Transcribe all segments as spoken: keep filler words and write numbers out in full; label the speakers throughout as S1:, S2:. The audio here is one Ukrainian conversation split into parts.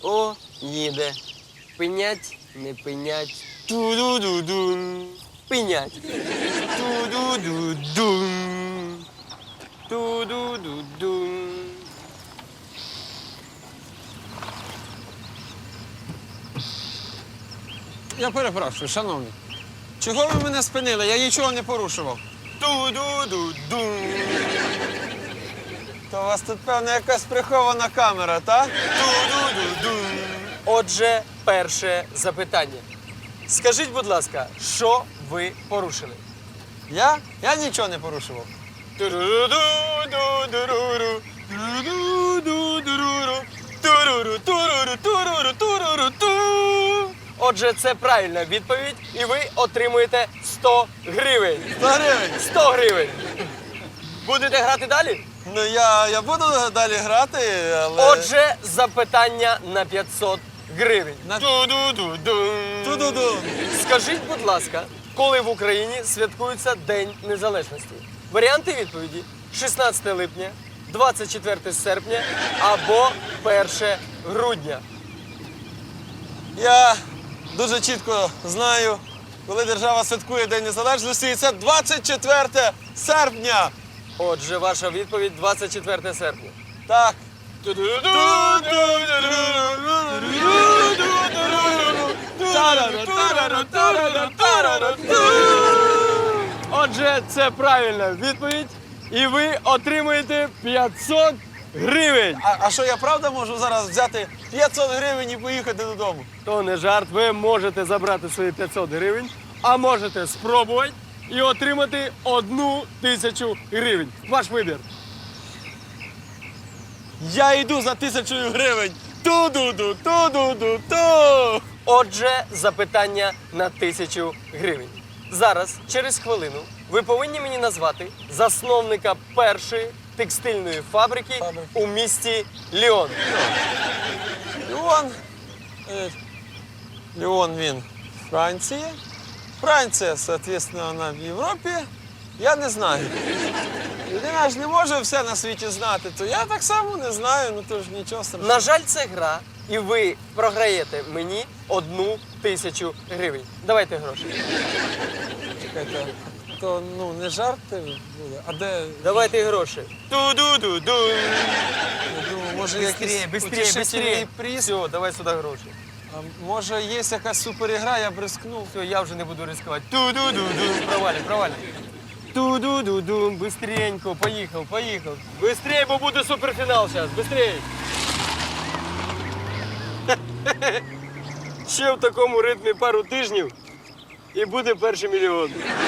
S1: О, їде. Пинять, не пинять. Ту-ду-ду-дун. Пинять. Ту-ду-ду-дун. Ту-ду-ду-дун.
S2: Я перепрошую, шановний. Чого ви мене спинили? Я нічого не порушував.
S1: Ту-ду-ду-дун.
S2: То у вас тут, певно, якась прихована камера, так?
S1: Ту-ду-ду-дун. Отже, перше запитання. Скажіть, будь ласка, що ви порушили?
S2: Я? Я нічого не порушував.
S1: Туру-ду-ду-ду-ру-ру. Туру-ду-ду-ру-ру. Туру-ру, туру-ру, туру-ру, туру-ру-ту. Отже, це правильна відповідь, і ви отримуєте сто гривень.
S2: сто гривень?
S1: сто гривень. Будете грати далі?
S2: Ну, я, я буду далі грати, але...
S1: Отже, запитання на п'ятсот гривень.
S2: На-
S1: Ту-ду-ду-дун.
S2: Ту-ду-ду.
S1: Скажіть, будь ласка, коли в Україні святкується День Незалежності? Варіанти відповіді: шістнадцяте липня, двадцять четверте серпня або перше грудня.
S2: Я дуже чітко знаю, коли держава святкує День Незалежності, і це двадцять четверте серпня.
S1: Отже, ваша відповідь двадцять четверте серпня.
S2: Так.
S1: Отже, це правильна відповідь, і ви отримуєте п'ятсот гривень.
S2: А, а що, я правда можу зараз взяти п'ятсот гривень і поїхати додому?
S1: То не жарт, ви можете забрати свої п'ятсот гривень, а можете спробувати і отримати одну тисячу гривень. Ваш вибір.
S2: Я йду за тисячою гривень. Ту-ду-ду, ту-ду-ду, ту.
S1: Отже, запитання на тисячу гривень. Зараз, через хвилину, ви повинні мені назвати засновника першої текстильної фабрики,
S2: Фабрики.
S1: у місті Ліон.
S2: Ліон. Е, Ліон він Франція. Франція, соответственно, вона в Європі. Я не знаю. Людина ж не може все на світі знати, то я так само не знаю, ну то ж нічого страшного.
S1: На жаль, це гра, і ви програєте мені одну тисячу гривень. Давайте гроші.
S2: Чекайте, то ну не жарти буде, а де?
S1: Давайте гроші. Ту-ду-ду-ду.
S2: Я думаю, може якийсь
S1: Быстрее, быстрее,
S2: утішительний
S1: быстрее.
S2: приз?
S1: Все, давай сюди гроші.
S2: А може є якась суперігра, я б рискнув.
S1: Все, я вже не буду ризикувати. Ту-ду-ду-ду. Провалі, провалі. Ту-ду-ду-ду. Быстренько. Поїхав, поїхав. Быстрее, бо буде суперфінал зараз. Быстрее. Ще в такому ритмі пару тижнів і буде перший мільйон.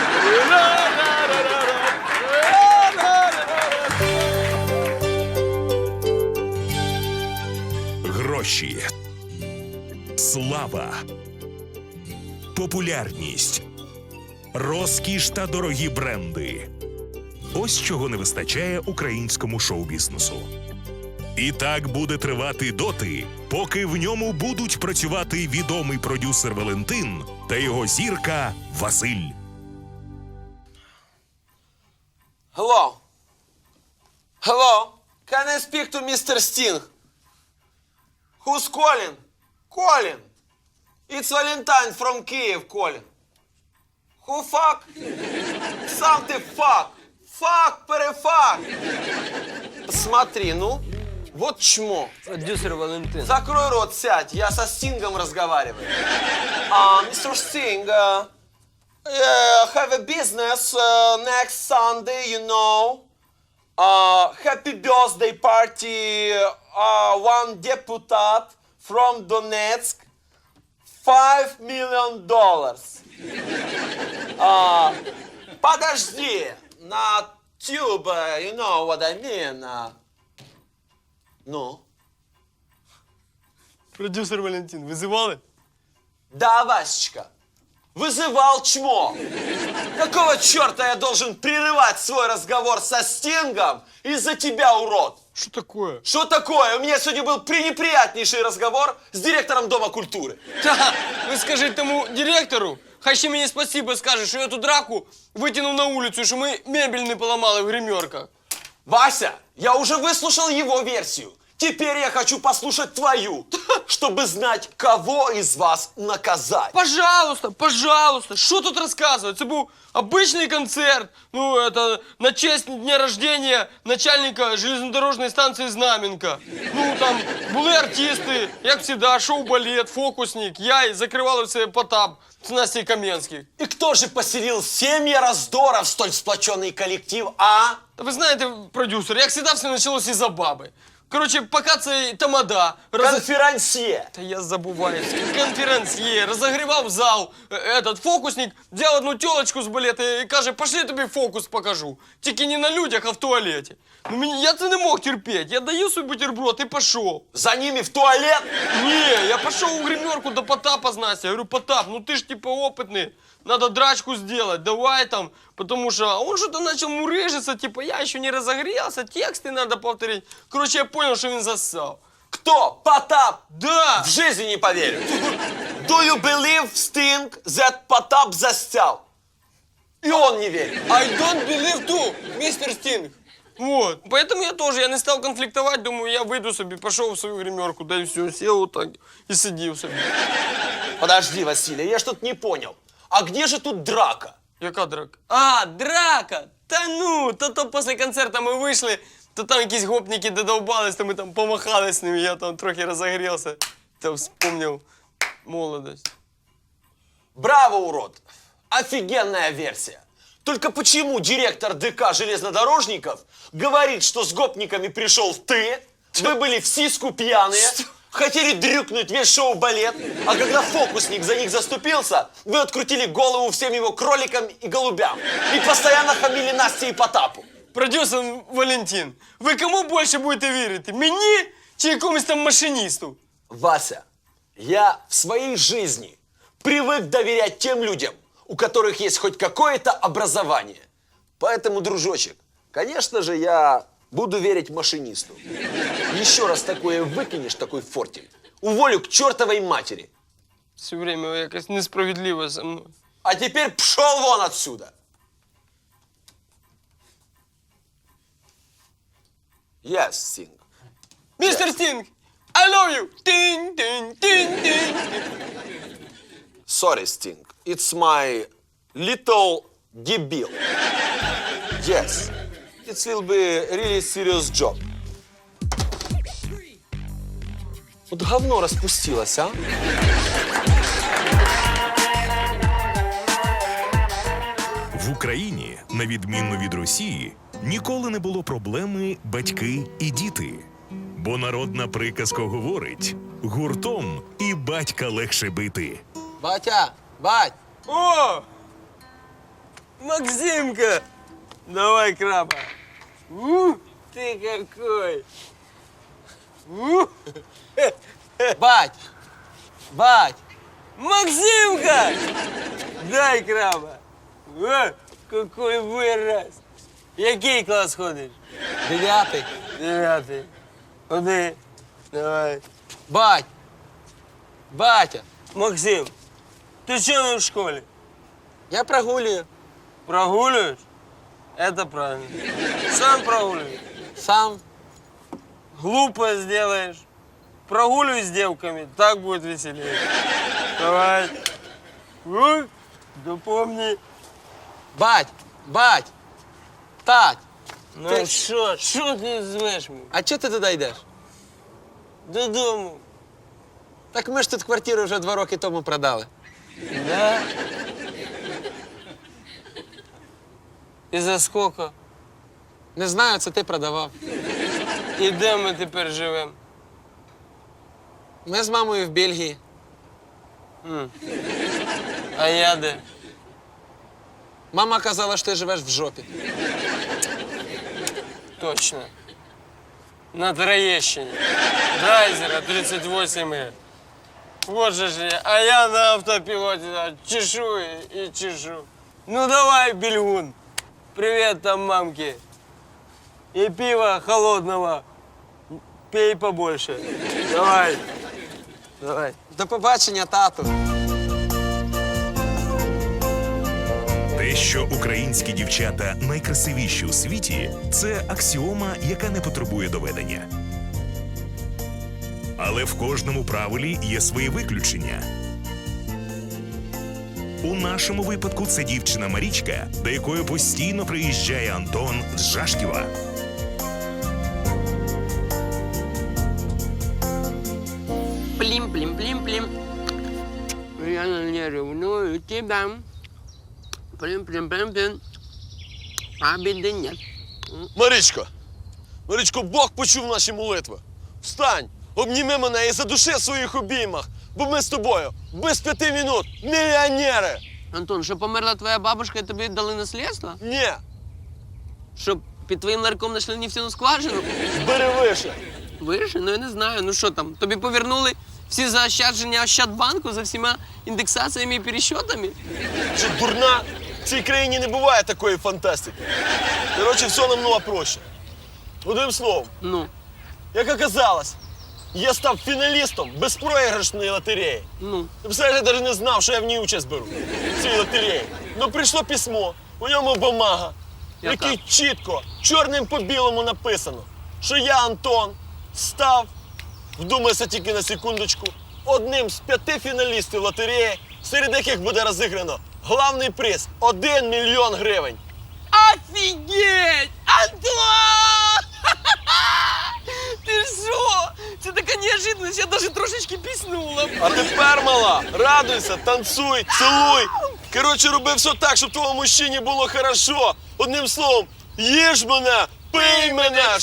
S3: Гроші, слава, популярність, розкіш та дорогі бренди. Ось чого не вистачає українському шоу-бізнесу. І так буде тривати доти, поки в ньому будуть працювати відомий продюсер Валентин та його зірка Василь.
S2: Hello. Hello. Can I speak to містер Sting? Who's calling? Calling. It's Valentine from Kyiv calling. Who fuck? Сам ты fuck. Fuck, перефак. Смотри, ну, вот чмо.
S1: Продюсер Валентин.
S2: Закрой рот, сядь, я со Стингом разговариваю. А, мистер Sting, uh, uh, have a business uh, next Sunday, you know. Uh, happy birthday party, uh, one deputat from Donetsk, five million dollars. Uh, подожди, на tube, uh, you know what I mean. Uh, ну?
S1: Продюсер Валентин, визивали?
S2: Да, Васечка, вызывал чмо. Какого черта я должен прерывать свой разговор со Стингом из-за тебя, урод?
S1: Що таке?
S2: Что такое? У меня сегодня был пренеприятнейший разговор с директором Дома культуры.
S1: Та, ви скажіть тому директору, хай ще мені спасибо скаже, що я ту драку витягнув на вулицю, що ми мебель не поламали в гримерках.
S2: Вася, я уже выслушал его версию. Теперь я хочу послушать твою, чтобы знать, кого из вас наказать.
S1: Пожалуйста, пожалуйста, що тут розказувати? Це був обичний концерт. Ну, это на честь дня рождения начальника железнодорожної станції Знаменка. Ну, там були артисти, як завжди, шоу-балет, фокусник, я і закривали все Потап з Настей Кам'янських.
S2: И кто же поселил семьи раздора в столь сплоченный коллектив, а?
S1: Та ви знаєте, продюсер, як завжди все почалося із-за баби. Коротше, поки цей тамада роз...
S2: Конферансье.
S1: Та я забуваю. Конферансьє, розогрівав зал, е, этот фокусник взяв одну тілочку з балета і каже, пошли я тобі фокус покажу. Тільки не на людях, а в туалеті. Ну, мені, я це не мог терпіти. Я даю свій бутерброд і пішов.
S2: За ними в туалет?
S1: Ні, я пішов у гримерку до Потапа з Настей. Я говорю, Потап, ну ти ж типа опитний. Надо драчку сделать, давай там, потому что он что-то начал мурыжиться, типа я еще не разогрелся, тексты надо повторить. Короче, я понял, что он зассал.
S2: Кто? Потап?
S1: Да!
S2: В жизни не поверю. Do you believe, Sting, that Потап застял? И он не верит.
S1: I don't believe too, мистер Стинг. Вот, поэтому я тоже, я не стал конфликтовать, думаю, я выйду себе, пошел в свою гримерку, да и все, сел вот так и сидел себе.
S2: Подожди, Василий, я что-то не понял. А где же тут драка?
S1: Яка драка? А, драка! Та ну, то то після концерту ми вийшли, то там якісь гопники додовбались, то ми там помахали з ними, я там трохи розогрівся, та вспомнив молодость.
S2: Браво, урод! Офигенная версия. Только почему директор ДК железнодорожников говорит, что с гопниками пришел ты, вы были в сиску пьяные, хотели дрюкнуть весь шоу-балет, а когда фокусник за них заступился, вы открутили голову всем его кроликам и голубям и постоянно хамили Насте и Потапу.
S1: Продюсер Валентин, ви кому більше будете вірити? Мені чи якомусь там машиністу?
S2: Вася, я в своей жизни привык доверять тем людям, у которых есть хоть какое-то образование. Поэтому, дружочек, конечно же, я буду верить машинисту. Еще раз такое выкинешь, такой фортель, уволю к чертовой матери.
S1: Все время якось несправедливо со мною.
S2: А теперь пшел вон отсюда. Yes, Sting.
S1: Містер Стінг, I love you! Тин, тин, тин, тин.
S2: Sorry, Sting. It's my little debil. Yes. It will be a really serious job. Вот говно распустилось, а?
S3: В Україні, на відміну від Росії, ніколи не було проблеми батьки і діти. Бо народна приказка говорить: гуртом і батька легше бити.
S2: Батя, бать!
S1: О! Максимка! Давай, краба. Ух, ты какой! Ух.
S2: Бать! Бать!
S1: Максимка! Дай краба. О, какой вираз. Який клас ходиш?
S2: Девятый.
S1: Дев'ятий. Ходи. Давай.
S2: Бать! Батя!
S1: Максим, ти що не в школі?
S2: Я прогуливаю.
S1: Прогулюєш? Это правильно. Сам прогуливай.
S2: Сам.
S1: Глупо сделаешь. Прогуливай с девками, так будет веселее. Давай. Ух, да помни.
S2: Бать! Бать! Тать!
S1: Ну
S2: Ти-
S1: що, що ти звеш мене?
S2: А чого ти туди йдеш?
S1: Додому.
S2: Так ми ж тут квартиру вже два роки тому продали.
S1: Да? І за скільки?
S2: Не знаю, це ти продавав.
S1: І де ми тепер живемо?
S2: Ми з мамою в Бельгії.
S1: А я де?
S2: Мама казала, що ти живеш в жопі.
S1: Точно. На Троєщині. Драйзера тридцать восемь Е. Вот же ж я. А я на автопілоті да, чешу і, і чешу. Ну давай, Бельгун. Привет там мамке. И пива холодного. Пей побольше. Давай. Давай.
S2: До побачення, тату.
S3: Те, що українські дівчата найкрасивіші у світі, це аксіома, яка не потребує доведення. Але в кожному правилі є свої виключення. У нашому випадку це дівчина Марічка, до якої постійно приїжджає Антон з Жашківа.
S4: Плім-плім-плім-плім. Я не ревную тебя. Плім-плім-плім-плім. А біди нет.
S5: Марічко, Марічко, Бог почув наші молитви. Встань, обніми мене і задуши в своїх обіймах, бо ми з тобою без п'яти минут мільйонери.
S4: Антон, що померла твоя бабушка і тобі дали наслідство?
S5: Ні,
S4: Щоб під твоїм ларьком знайшли нефтяну скважину?
S5: бери вище.
S4: Виріши? Ну я не знаю. Ну що там, тобі повернули всі заощадження Ощадбанку за всіма індексаціями і пересчетами?
S5: Що дурна? В цій країні не буває такої фантастики. Коротше, все намного проще. Одним словом,
S4: Ну,
S5: як оказалось, я став фіналістом безпроіграшної лотереї.
S4: ну.
S5: Ти представляєш, я навіть не знав, що я в ній участь беру, в цій лотереї. Ну прийшло письмо, у ньому бумага, в
S4: Я
S5: якій
S4: так.
S5: чітко, чорним по білому написано, що я, Антон, став, вдумайся тільки на секундочку, одним з п'яти фіналістів лотереї, серед яких буде розіграно главний приз – один мільйон гривень.
S4: Офігеть! Антон! Ти що? Це така неожиданность, я навіть трошечки піснула.
S5: А тепер, мала, радуйся, танцуй, цілуй. Коротше, роби все так, щоб твоєму мужчині було хорошо. Одним словом, їж мене, пий мене,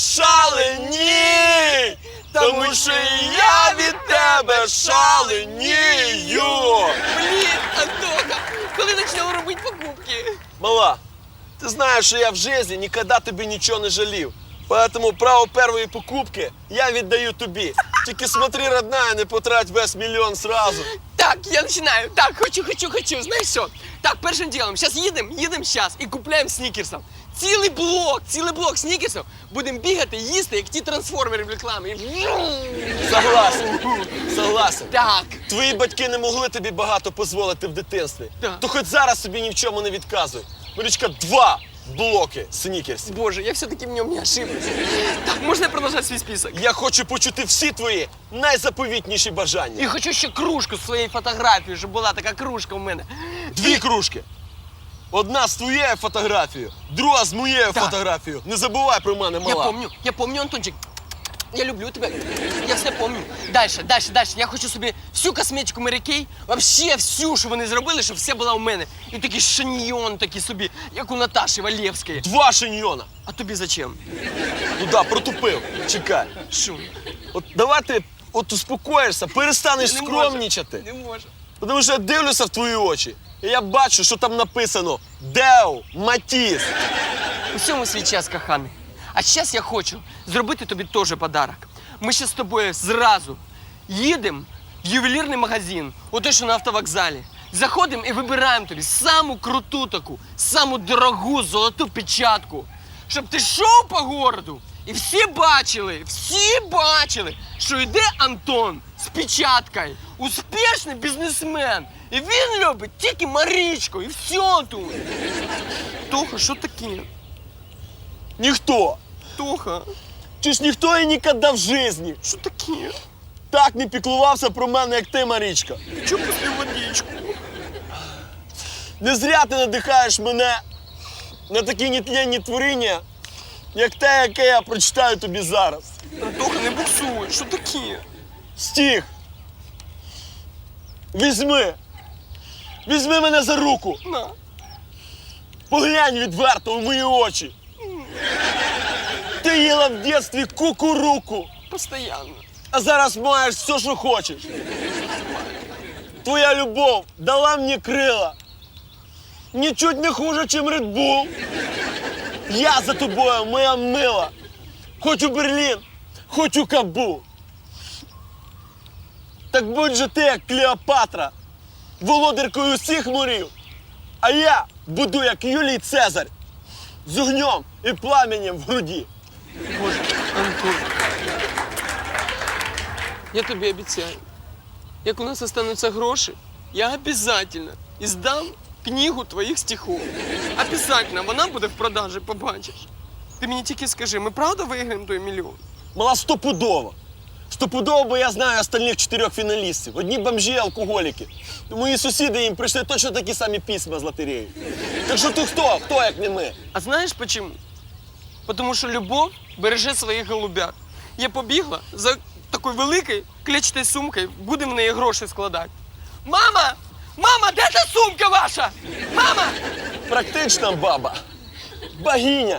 S5: шаленій! Тому що і я від тебе шаленію!
S4: Блін, Антоха, коли почнемо робити покупки?
S5: Мала, ти знаєш, що я в житті ніколи тобі нічого не жалів. Поэтому право першої покупки я віддаю тобі. Тільки смотри, родная, не потрать весь мільйон сразу.
S4: Так, я починаю. Так, хочу, хочу, хочу. Знаєш що? Так, першим ділом, зараз їдемо, їдемо зараз і купляємо снікерсів. Цілий блок, цілий блок снікерсів. Будемо бігати, їсти, як ті трансформери в рекламі. І...
S5: Согласен, согласен.
S4: Так.
S5: Твої батьки не могли тобі багато дозволити в дитинстві.
S4: Так.
S5: То хоч зараз собі ні в чому не відказуй. Марічка, два блоки снікерсів.
S4: Боже, я все-таки в ньому не ошиблась. Так, можна я продовжати свій список?
S5: Я хочу почути всі твої найзаповітніші бажання.
S4: І хочу ще кружку з своєю фотографією, щоб була така кружка в мене.
S5: Дві кружки. Одна з твоєю фотографією, друга з моєю
S4: Так.
S5: фотографією. Не забувай про мене,
S4: Я
S5: мала.
S4: помню, я помню, Антончик. Я люблю тебе. Я все помню. Дальше, дальше, дальше. Я хочу собі всю косметику Mary Kay, вообще всю, що вони зробили, щоб все була у мене. І такий шаньйон такий собі, як у Наташі Валєвської.
S5: Два шиньйона.
S4: А тобі зачем?
S5: Ну да, протупив. Чекай.
S4: Що?
S5: От давай ти от успокоїшся, перестанеш
S4: Не
S5: скромнічати.
S4: Не можу.
S5: Тому що я дивлюся в твої очі, і я бачу, що там написано Део Матіс.
S4: У всьому свій час, коханий. А зараз я хочу зробити тобі теж подарок. Ми ще з тобою зразу їдемо в ювелірний магазин, ото що на автовокзалі. Заходимо і вибираємо тобі саму круту таку, саму дорогу золоту печатку. Щоб ти йшов по городу і всі бачили, всі бачили, що йде Антон з печаткою. Успішний бізнесмен. І він любить тільки Марічку, і все тут. Тоха, що таке?
S5: Ніхто.
S4: Тоха,
S5: Чи ж ніхто і ніколи в житті
S4: що таке?
S5: так не піклувався про мене, як ти, Марічка.
S4: Чого після водичку?
S5: Не зря ти надихаєш мене на такі нетленні творіння, як те, яке я прочитаю тобі зараз.
S4: Антоха, не буксуй, що таке?
S5: Стих. Візьми. Візьми мене за руку.
S4: На.
S5: Поглянь відверто в мої очі. Ти їла в дитинстві кукуруку,
S4: Постоянно.
S5: а зараз маєш все, що хочеш. Твоя любов дала мені крила. Нічуть не хуже, чим Red Bull. Я за тобою, моя мила. Хоч у Берлін, хоч у Кабул. Так будь же ти, як Клеопатра, володаркою усіх морів. А я буду, як Юлій Цезарь, з огнем і пламенем в груді.
S4: Боже, Антон. Я тобі обіцяю, як у нас остануться гроші, я обязательно іздам книгу твоїх стихов. Обязательно, вона буде в продажі, побачиш. Ти мені тільки скажи, ми правда виграємо той мільйон?
S5: Мала стопудово. Стопудово, бо я знаю остальних чотирьох фіналістів. Одні бомжі, алкоголіки. Мої сусіди їм прийшли точно такі самі письма з лотереї. Так що ти хто? Хто, як не ми?
S4: А знаєш почему? Потому що любов береже своїх голубят. Я побігла за такою великою клетчатою сумкою, будемо в неї гроші складати. Мама! Мама, де та сумка ваша? Мама!
S5: Практична баба. Богиня.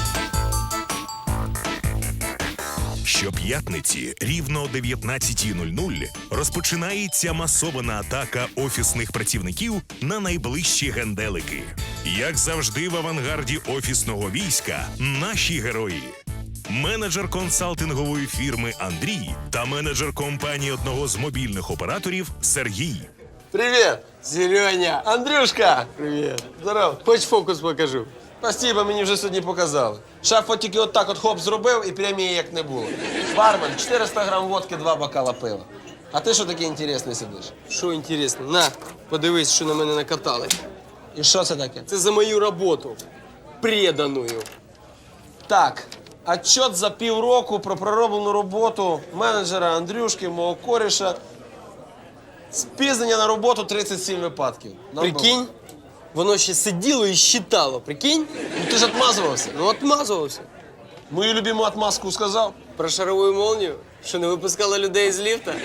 S3: Щоп'ятниці рівно о дев'ятнадцятій нуль нуль розпочинається масована атака офісних працівників на найближчі генделики. Як завжди в авангарді офісного війська наші герої. Менеджер консалтингової фірми Андрій та менеджер компанії одного з мобільних операторів Сергій.
S5: Привіт.
S1: Сереня,
S5: Андрюшка.
S1: привіт.
S5: Здоров.
S1: Хоч фокус покажу.
S5: Спасибо, мені вже сьогодні показали. Шеф от тільки отак от хоп зробив і премії як не було. Бармен, чотириста грам водки, два бокала пива. А ти що такий інтересний сидиш?
S1: Що інтересно, на, подивись, що на мене накатали.
S5: І що це таке?
S1: Це за мою роботу. Преданою.
S5: Так, отчет за півроку про пророблену роботу менеджера Андрюшки, мого коріша. Спізнення на роботу тридцять сім випадків. Нам
S1: Прикинь, воно ще сиділо і щитало, прикинь?
S5: було. Ну ти ж отмазувався.
S1: Ну, отмазувався.
S5: Мою любиму отмазку сказав.
S1: Про шарову молнію, що не випускала людей з ліфта.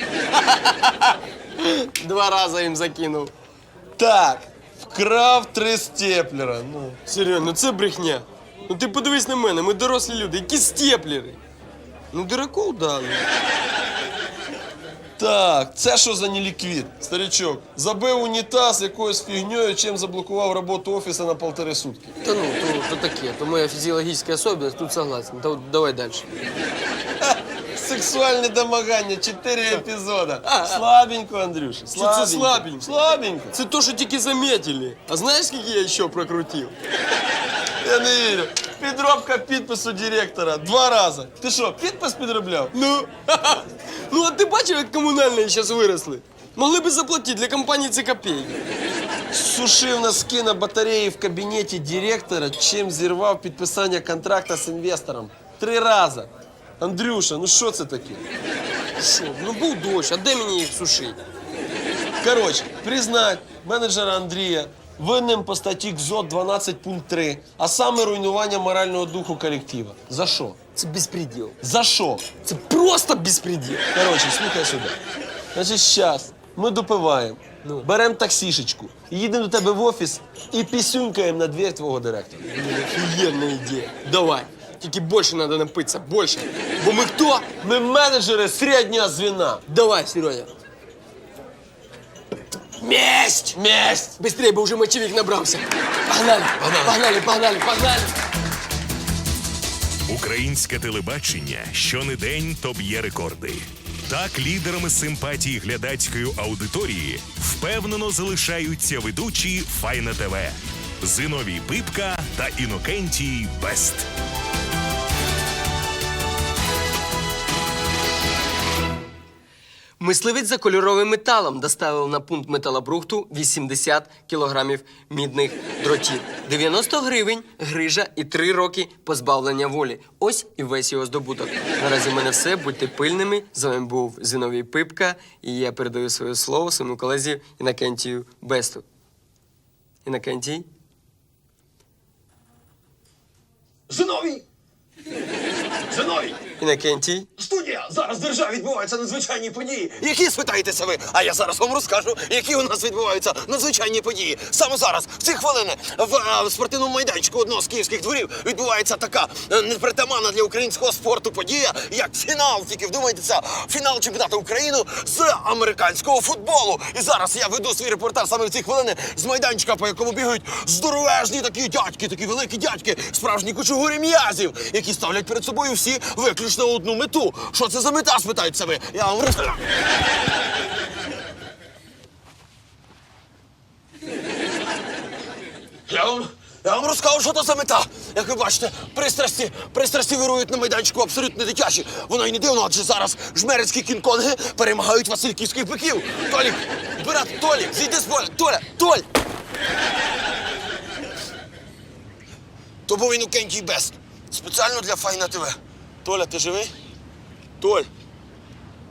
S1: Два рази їм закинув.
S5: Так, вкрав три степлера. Ну.
S1: Серйозно, ну це брехня. Ну ти подивись на мене, ми дорослі люди, які степлери. Ну, дураков дали.
S5: Так, це що за неліквід, старичок? Забив унітаз якоюсь фігньою, чим заблокував роботу офісу на полтори сутки.
S1: Та ну, то, то таке, то моя фізіологічна особливість, тут согласен. Та от давай далі.
S5: Сексуальне домагання, чотири епізода. Слабенько, Андрюша, слабенько.
S1: це слабенько?
S5: Слабенько.
S1: Це то, що тільки заметили. А знаєш, скільки я ще прокрутив?
S5: Я не вірю. Підробка підпису директора. Два рази. Ти що, підпис підробляв?
S1: Ну, ну а ти бачив, як комунальні зараз виросли? Могли б заплатити, для компанії це копійки.
S5: Сушив носки на батареї в кабінеті директора, чим зірвав підписання контракта з інвестором. Три рази. Андрюша, ну що це таке?
S1: Що? Ну був дощ, а де мені їх сушити?
S5: Коротше, признать менеджера Андрія винним по статті КЗОТ дванадцять пункт три, а саме руйнування морального духу колектива. За що?
S1: Це безпреділ.
S5: За що?
S1: Це просто безпреділ.
S5: Коротше, слухай сюди. Значить, зараз ми допиваємо,
S1: Ну.
S5: беремо таксішечку, їдемо до тебе в офіс і пісюнькаємо на двір твого директора.
S1: Блин, офігенна ідея. Давай. Тільки більше треба напитися, більше. Бо ми хто?
S5: Ми менеджери середнього звіна.
S1: Давай, Сереня. Месть!
S5: Месть!
S1: Быстрее, бо вже мочевик набрався. Погнали, погнали, погнали, погнали.
S3: Українське телебачення щонедень то б'є рекорди. Так лідерами симпатії глядацької аудиторії впевнено залишаються ведучі Файна ТВ Зиновій Пипка та Інокентій Бест.
S4: Мисливець за кольоровим металом доставив на пункт металобрухту вісімдесят кілограмів мідних дротів. дев'яносто гривень, грижа і три роки позбавлення волі. Ось і весь його здобуток. Наразі в мене все. Будьте пильними. З вами був Зиновій Пипка. І я передаю своє слово своєму колезі Інокентію Бесту. Інокентій?
S6: Зиновій! Зиновій!
S4: Інокентій?
S6: Студія! Зараз в державі відбуваються надзвичайні події.
S2: Які, спитаєтеся ви? А я зараз вам розкажу, які у нас відбуваються надзвичайні події. Саме зараз, в ці хвилини, в е, спортивному майданчику одного з київських дворів відбувається така е, непритаманна для українського спорту подія, як фінал. Тільки вдумайтеся, фінал чемпіонату України з американського футболу. І зараз я веду свій репортаж саме в ці хвилини з майданчика, по якому бігають здоровежні такі дядьки, такі великі дядьки, справжні кучугурі м'язів, які ставлять перед собою всі виключно одну мету. Що це за мета, спитаються ви? Я вам розкажу. Я вам, я вам розкажу, що це за мета. Як ви бачите, пристрасті, пристрасті вирують на майданчику абсолютно дитячі. Воно й не дивно, адже зараз жмерицькі кінг-конги перемагають васильківських биків. Толік, брат, Толік, зійди з поля. Толя, Толь! То був Інокентій Бест. Спеціально для Файна ТВ. Толя, ти живий? Толь.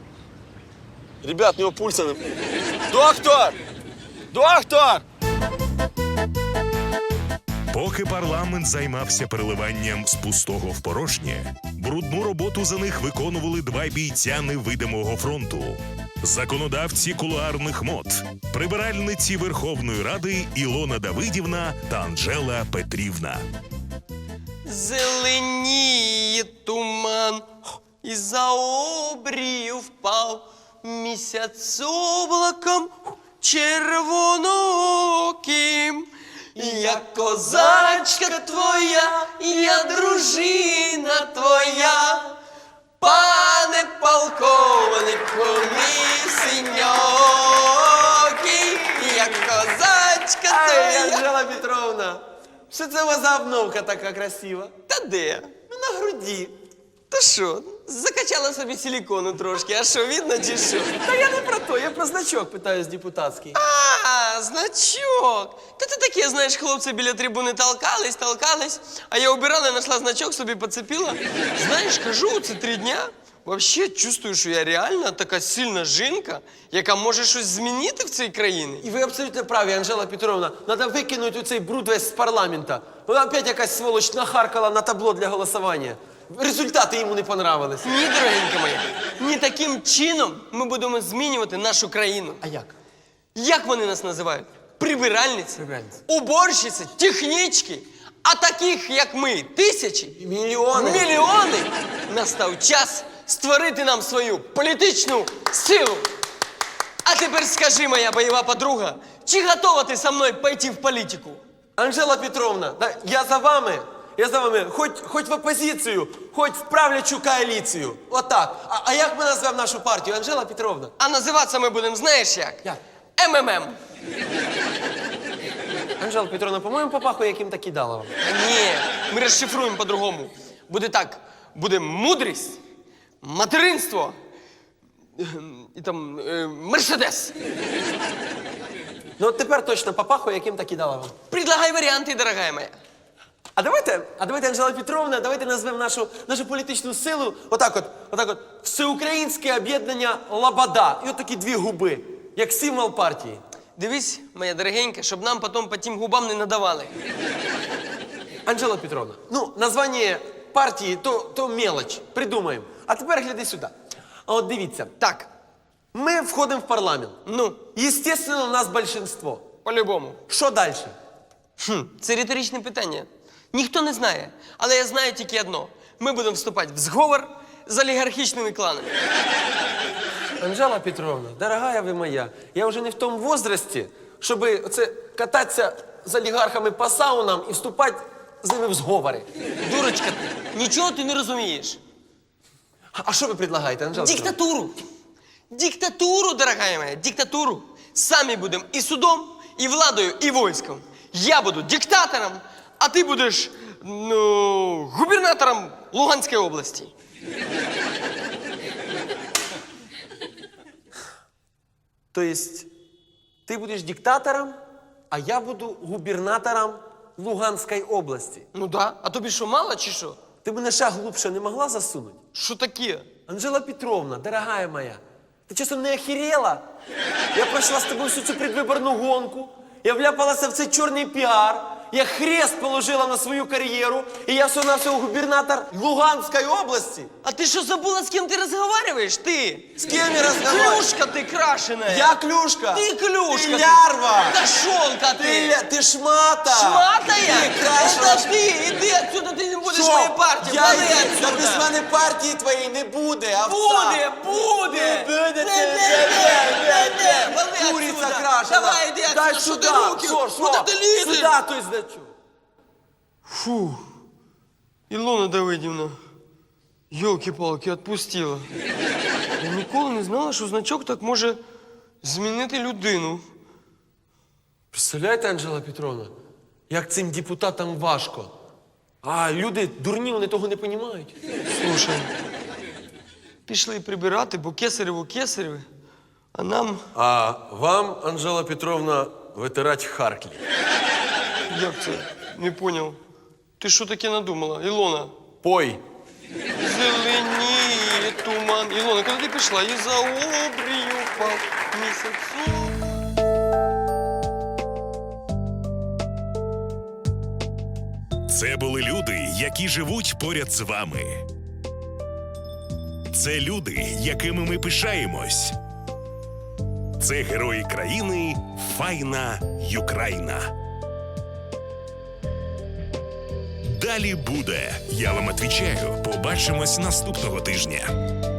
S5: Ребят, у нього пульса не... Доктор! Доктор!
S3: Поки парламент займався переливанням з пустого в порожнє, брудну роботу за них виконували два бійця невидимого фронту. Законодавці кулуарних мод, прибиральниці Верховної Ради Ілона Давидівна та Анжела Петрівна.
S4: Зеленіє туман, і за обрію впав місяць облаком червонооким. Я козачка твоя, я дружина твоя, пане полковнику мій синьокий, я козачка
S2: Ай,
S4: твоя.
S2: Анжела Петровна, що це у вас за обновка така красива?
S4: Та де?
S2: Ну, на груді.
S4: Та що, закачала собі силікону трошки, а що, видно чи що?
S2: Та я не про то, я про значок питаюсь депутатський.
S4: А, значок. Та ти таке, знаєш, хлопці біля трибуни толкались, толкались, а я убирала, знайшла значок, собі поцепила. Знаєш, кажу, це три дня. Вообще чувствую, що я реально така сильна жінка, яка може щось змінити в цій країні.
S2: І ви абсолютно праві, Анжела Петровна. Треба викинути цей бруд весь з парламента. Вона опять якась сволоч нахаркала на табло для голосування. Результати йому не понравились.
S4: Ні, дорогенька моя, ні таким чином ми будемо змінювати нашу країну.
S2: А як?
S4: Як вони нас називають? Прибиральниці,
S2: Прибиральниці.
S4: уборщиці, технічки. А таких, як ми, тисячі,
S2: Мільйони.
S4: мільйони. Настав час створити нам свою політичну силу. А тепер скажи, моя бойова подруга, чи готова ти со мною пойти в політику?
S2: Анжела Петровна, да, я за вами. Я за вами. Хоч, хоч в опозицію, хоч в правлячу коаліцію. Отак. А, а як ми назвемо нашу партію, Анжела Петровна?
S4: А називатися ми будемо, знаєш як?
S2: Як?
S4: ем ем ем.
S2: Анжела Петровна, по-моєму, попахує яким так кидала вам.
S4: Ні, ми розшифруємо по-другому. Буде так, буде мудрість, материнство ем, і там е, мерседес.
S2: Ну от тепер точно попахує яким так кидала вам.
S4: Предлагай варіанти, дорогая моя.
S2: А давайте, а давайте, Анжела Петровна, давайте назвемо нашу, нашу політичну силу отак от, отак от, Всеукраїнське об'єднання Лобода. І от такі дві губи, як символ партії.
S4: Дивись, моя дорогенька, щоб нам потім по тим губам не надавали.
S2: Анжела Петровна, ну, названня партії то, то мелоч, придумаємо. А тепер гляди сюди. А от дивіться,
S4: Так,
S2: ми входимо в парламент.
S4: ну,
S2: Естественно, у нас большинство.
S4: по-любому.
S2: Що далі?
S4: Хм, це риторичне питання. Ніхто не знає, але я знаю тільки одно. Ми будемо вступати в зговор з олігархічними кланами.
S2: Анжела Петровна, дорогая ви моя, я вже не в тому возрасті, щоб оце кататися з олігархами по саунам і вступати з ними в зговори.
S4: Дурочка ти, нічого ти не розумієш.
S2: А що ви предлагаєте, Анжела Петровна?
S4: Диктатуру. Диктатуру, дорогая моя, диктатуру. Самі будемо і судом, і владою, і військом. Я буду диктатором, а ти будеш, ну, губернатором Луганської області.
S2: Тобто, ти будеш диктатором, а я буду губернатором Луганської області.
S4: Ну да, а тобі що, мало чи що?
S2: Ти мене ще глубше не могла засунути?
S4: Що таке?
S2: Анжела Петровна, дорогая моя, ти часом не охерела? Я пройшла з тобою всю цю предвиборну гонку, я вляпалася в цей чорний піар, я хрест положила на свою кар'єру, і я всього-навсього губернатор Луганської області.
S4: А ти що забула, з ким ти розговорюєш? Ти?
S2: З ким я розмовляю?
S4: Клюшка ти крашеная.
S2: Я клюшка.
S4: Ти клюшка.
S2: Ти лярва.
S4: Кошонка ти.
S2: Ти, ля- ти шмата.
S4: Шматая?
S2: Ти крашена.
S4: Это ти. Іди отсюда, ти не будеш
S2: Що?
S4: моєї партії.
S2: Я
S4: Вали
S2: йду.
S4: отсюда.
S2: Та без мене партії твоєї не буде, овца.
S4: Буде, буде.
S2: Буде,
S4: Не,
S2: не,
S4: не,
S2: не,
S4: не, не, не. Вали
S2: Куриця
S4: отсюда.
S2: крашена.
S4: Давай, іди
S2: Дай
S4: отсюда. Що
S2: сюди.
S4: ти руки?
S2: Що, що?
S4: Куди ти лізеш?
S2: Сюди той значок.
S4: Фу. Ілона Давидівна, йолки-палки, отпустила. Я ніколи не знала, що значок так може змінити людину.
S2: Представляєте, Анжела Петровна, як цим депутатам важко. А люди дурні, вони того не розуміють.
S4: Слушай, пішли прибирати, бо кесарево кесареве, а нам,
S6: А вам, Анжела Петровна, витирать харклі.
S4: як це, не поняв. Ти що таке надумала, Ілона?
S6: Пой.
S4: Зеленіє туман. Ілона, куди ти пішла? І за обрію по місяцю.
S3: Це були люди, які живуть поряд з вами. Це люди, якими ми пишаємось. Це герої країни Файна Юкраїна. Далі буде. Я вам відповідаю. Побачимось наступного тижня.